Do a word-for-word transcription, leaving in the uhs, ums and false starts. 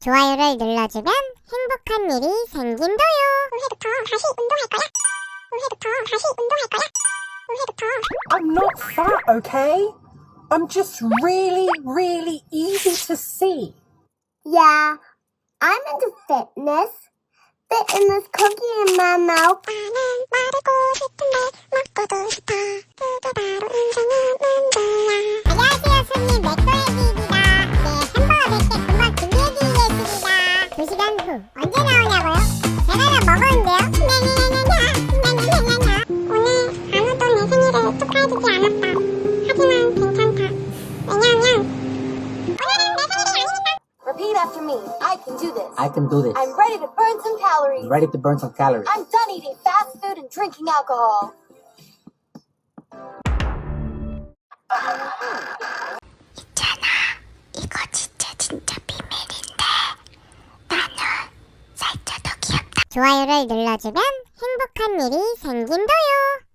좋아요를 눌러주면 행복한 일이 생긴다요. 올해부터 다시 운동할 거야. 올해부터 다시 운동할 거야. 올해부터. I'm not fat, okay? I'm just really, really easy to see. Yeah, I'm into fitness. Fitness cookie in my mouth. 나는 말하고 싶은데 먹고도 싶어. 그게 바로 인생의 문제야. 안녕하세요, 손님 맥도예비입니다. 네, 햄버거 백 개 금방 준비해드리겠습니다. 두 시간 후 언제 나오냐고요? 제가 다 먹었는데요. 냐냐냐냐냐. 오늘 아무도 내 생일을 축하해주지 않았다. 하지만 괜찮다. 왜냐하면 오늘은 내 생일이 아니니까. Repeat after me. I can do this. I can do this. I'm ready to burn some calories. ready to burn some calories. I'm done eating fast food and drinking alcohol. 있잖아, 이거 진짜 진짜 비밀인데 나는 살쪄도 귀엽다. 좋아요를 눌러주면 행복한 일이 생긴다요.